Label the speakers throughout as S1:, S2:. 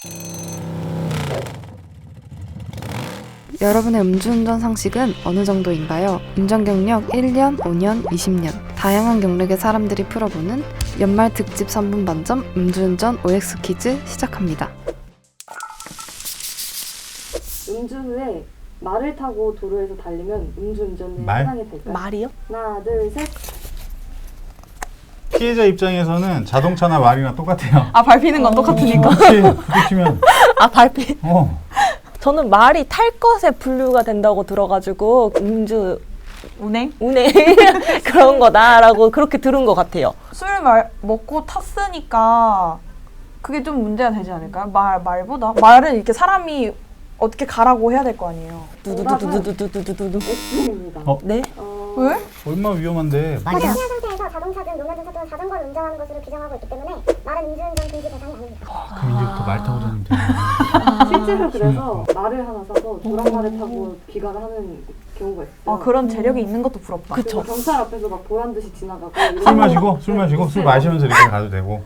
S1: 여러분의 음주운전 상식은 어느 정도인가요? 운전 경력 1년, 5년, 20년 다양한 경력의 사람들이 풀어보는 연말 특집 3분 반점 음주운전 OX 퀴즈 시작합니다.
S2: 음주 후에 말을 타고 도로에서 달리면 음주운전에
S3: 말?
S2: 해당이 될까요?
S4: 말이요?
S2: 하나, 둘, 셋.
S3: 피해자 입장에서는 자동차나 말이나 똑같아요.
S4: 아, 밟히는 건 똑같으니까.
S3: 혹시 부딪히면
S4: 아, 밟히.
S5: 저는 말이 탈 것에 분류가 된다고 들어가지고 음주
S4: 운행?
S5: 그런 거다라고 그렇게 들은 것 같아요.
S4: 술 먹고 탔으니까 그게 좀 문제가 되지 않을까요? 말보다? 말은 이렇게 사람이 어떻게 가라고 해야 될 거 아니에요.
S5: 두두두두두두두두두.
S2: X입니다.
S5: 네?
S4: 왜?
S3: 얼마나 위험한데.
S6: 피한 상태에서 자동차든 노면은 차든 자전거를 운전하는 것으로 규정하고 있기 때문에 말은 음주운전 금지 대상이 아닙니다.
S3: 그럼 이제부터 말 타고 다니면 되나?
S2: 실제로 그래서 말을 하나 사서 조랑말을 타고 귀가를 하는 경우가 있어요.
S4: 그런 재력이 있는 것도 부럽다.
S2: 그리고 경찰 앞에서 막 보란 듯이 지나가고
S3: 술 마시고 술 마시면서 이렇게 가도 되고.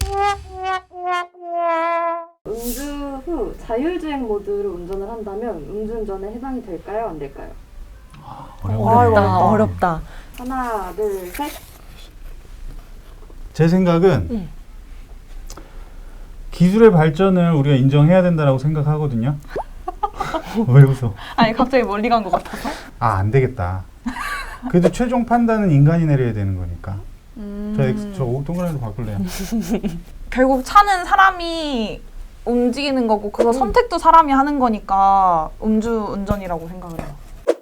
S2: 음주 후 자율주행 모드로 운전을 한다면 음주운전에 해당이 될까요? 안 될까요?
S5: 어렵다.
S2: 하나, 둘, 셋.
S3: 제 생각은 기술의 발전을 우리가 인정해야 된다고 생각하거든요. 왜 웃어?
S4: 아니, 갑자기 멀리 간 것 같아서.
S3: 안 되겠다. 그래도 최종 판단은 인간이 내려야 되는 거니까. 저 동그라미로 바꿀래요.
S4: 결국 차는 사람이 움직이는 거고 그거 선택도 사람이 하는 거니까 음주운전이라고 생각을 해요.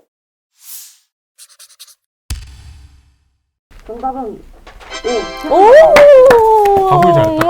S2: 정답은
S3: 답을 잘했다.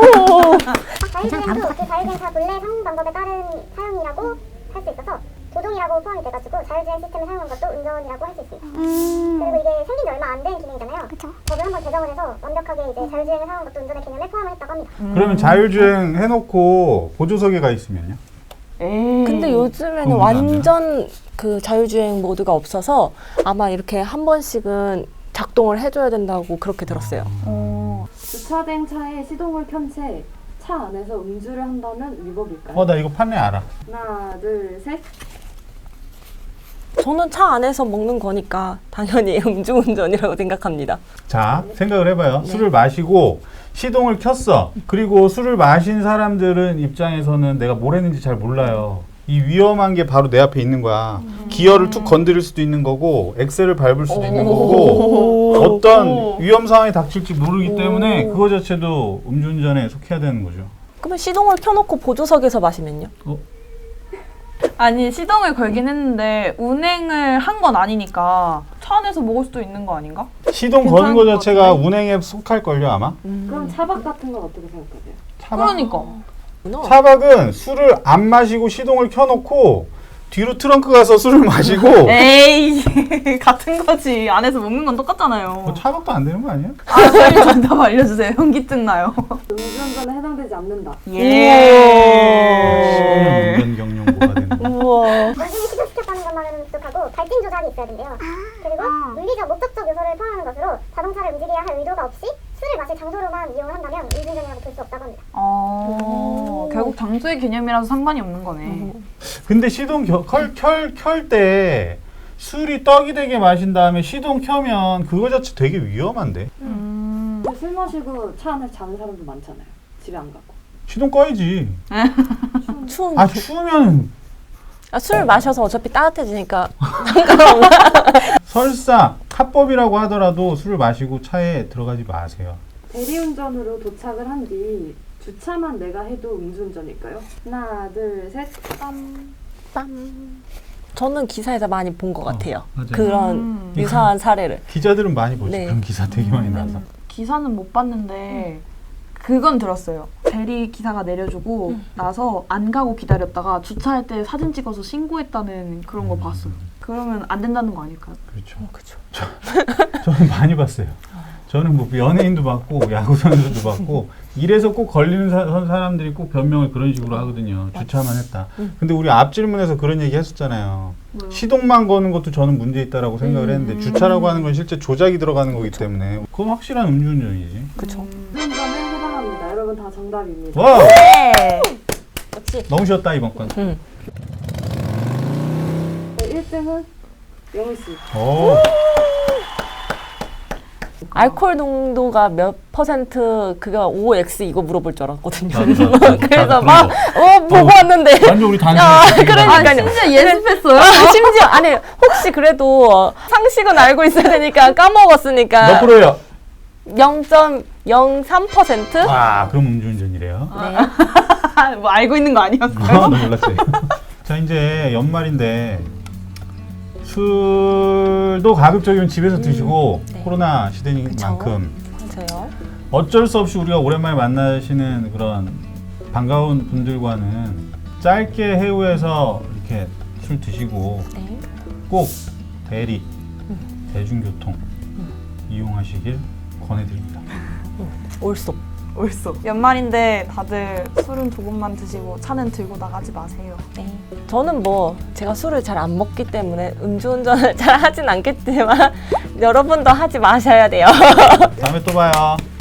S6: 자율주행도 그 자율주행차 본래 사용 방법에 따른 사용이라고 할 수 있어서 조종이라고 포함이 돼가지고 자율주행 시스템을 사용한 것도 운전이라고 할 수 있습니다. 그리고 이게 생긴 지 얼마 안 된 기능이잖아요. 법을 한번 개정을 해서 완벽하게 이제 자율주행을 사용한 것도 운전의 개념에 포함을 했다고 합니다.
S3: 그러면 자율주행 해놓고 보조석에 가 있으면요?
S4: 에이.
S5: 근데 요즘에는
S3: 그건
S5: 완전 그 자율주행 모드가 없어서 아마 이렇게 한 번씩은 작동을 해줘야 된다고 그렇게 들었어요.
S2: 주차된 차에 시동을 켠 채 차 안에서 음주를 한다면 위법일까요?
S3: 나 이거 판례 알아.
S2: 하나, 둘, 셋.
S5: 저는 차 안에서 먹는 거니까 당연히 음주운전이라고 생각합니다.
S3: 자, 생각을 해봐요. 술을 마시고 시동을 켰어. 그리고 술을 마신 사람들은 입장에서는 내가 뭘 했는지 잘 몰라요. 이 위험한 게 바로 내 앞에 있는 거야. 기어를 툭 건드릴 수도 있는 거고 엑셀을 밟을 수도 있는 거고 어떤 위험 상황이 닥칠지 모르기 때문에 그거 자체도 음주운전에 속해야 되는 거죠.
S5: 그러면 시동을 켜놓고 보조석에서 마시면요?
S4: 아니, 시동을 걸긴 했는데 운행을 한 건 아니니까 차 안에서 먹을 수도 있는 거 아닌가?
S3: 시동 거는 거 자체가 운행에 속할걸요 아마?
S2: 그럼 차박 같은 건 어떻게 생각하세요?
S3: 차박?
S4: 그러니까.
S3: 차박은 술을 안 마시고 시동을 켜놓고 뒤로 트렁크 가서 술을 마시고
S4: 에이, 같은 거지. 안에서 먹는 건 똑같잖아요.
S3: 차박도 안 되는 거 아니에요?
S4: 빨리 정답 알려주세요. 현기증 나요.
S2: 음주운전에 해당되지 않는다.
S3: 예. 10년 운전 경영고가 되는 거.
S5: 우와.
S6: 원진이 시도시켰다는 것만으로는 부족하고 발진 조작이 있어야 된대요. 그리고 물리적 목적적 요소를 포함하는 것으로 자동차를 움직여야 할 의도가 없이 술을 마실 장소로만 이용을 한다면 음주운전이라고 볼 수 없다고 합니다.
S4: 결국 장소의 개념이라서 상관이 없는 거네.
S3: 근데 시동 켤 때 술이 떡이 되게 마신 다음에 시동 켜면 그거 자체 되게 위험한데.
S2: 술 마시고 차 안에서 자는 사람도 많잖아요. 집에 안 가고.
S3: 시동 꺼야지.
S5: 추운.
S3: 추우면
S5: 술 마셔서 어차피 따뜻해지니까.
S3: 설사 합법이라고 하더라도 술을 마시고 차에 들어가지 마세요.
S2: 대리운전으로 도착을 한 뒤 주차만 내가 해도 음주운전일까요? 하나, 둘, 셋.
S5: 저는 기사에서 많이 본 것 같아요.
S3: 맞아요.
S5: 그런 유사한 사례를.
S3: 기자들은 많이 보지.
S5: 네.
S3: 그런 기사 되게 많이 나서.
S4: 기사는 못 봤는데 그건 들었어요. 대리 기사가 내려주고 나서 안 가고 기다렸다가 주차할 때 사진 찍어서 신고했다는 그런 거 봤어요. 그러면 안 된다는 거 아닐까요?
S3: 그렇죠. 저는 많이 봤어요. 저는 뭐 연예인도 봤고 야구 선수도 봤고 이래서 꼭 걸리는 사람들이 꼭 변명을 그런 식으로 하거든요. 주차만 했다. 근데 우리 앞 질문에서 그런 얘기 했었잖아요.
S4: 뭐요?
S3: 시동만 거는 것도 저는 문제 있다라고 생각을 했는데 주차라고 하는 건 실제 조작이 들어가는 거기 때문에 그건 확실한 음주운전이지.
S5: 그렇죠.
S2: 음주운전에 해당합니다. 여러분 다 정답입니다.
S3: 와우!
S5: 네. 그렇지.
S3: 너무 쉬웠다 이번 건.
S2: 1등은 영희 씨.
S3: 오.
S5: 알코올 농도가 몇 퍼센트 그가 OX 이거 물어볼 줄 알았거든요.
S3: 나도
S5: 그래서
S3: 그런
S5: 막
S3: 거.
S5: 보고 왔는데
S3: 완전 우리 단순히.
S5: 야,
S3: 얘기가
S5: 그러니까요.
S4: 진짜 예습했어요?
S5: 심지어 아니 혹시 그래도 상식은 알고 있어야 되니까 까먹었으니까
S3: 몇 프로예요?
S5: 0.03%?
S3: 와, 그럼 음주운전이래요.
S4: 뭐 알고 있는 거 아니었어요?
S3: 몰랐지. 자, 이제 연말인데 술도 가급적이면 집에서 드시고
S5: 네.
S3: 코로나 시대인
S5: 그쵸.
S3: 만큼
S5: 맞아요.
S3: 어쩔 수 없이 우리가 오랜만에 만나시는 그런 반가운 분들과는 짧게 해우해서 이렇게 술 드시고
S5: 네.
S3: 꼭 대리, 대중교통 이용하시길 권해드립니다.
S5: 올쏙.
S4: 옳소. 연말인데 다들 술은 조금만 드시고 차는 들고 나가지 마세요.
S5: 네. 저는 뭐 제가 술을 잘 안 먹기 때문에 음주운전을 잘 하진 않겠지만 여러분도 하지 마셔야 돼요.
S3: 다음에 또 봐요.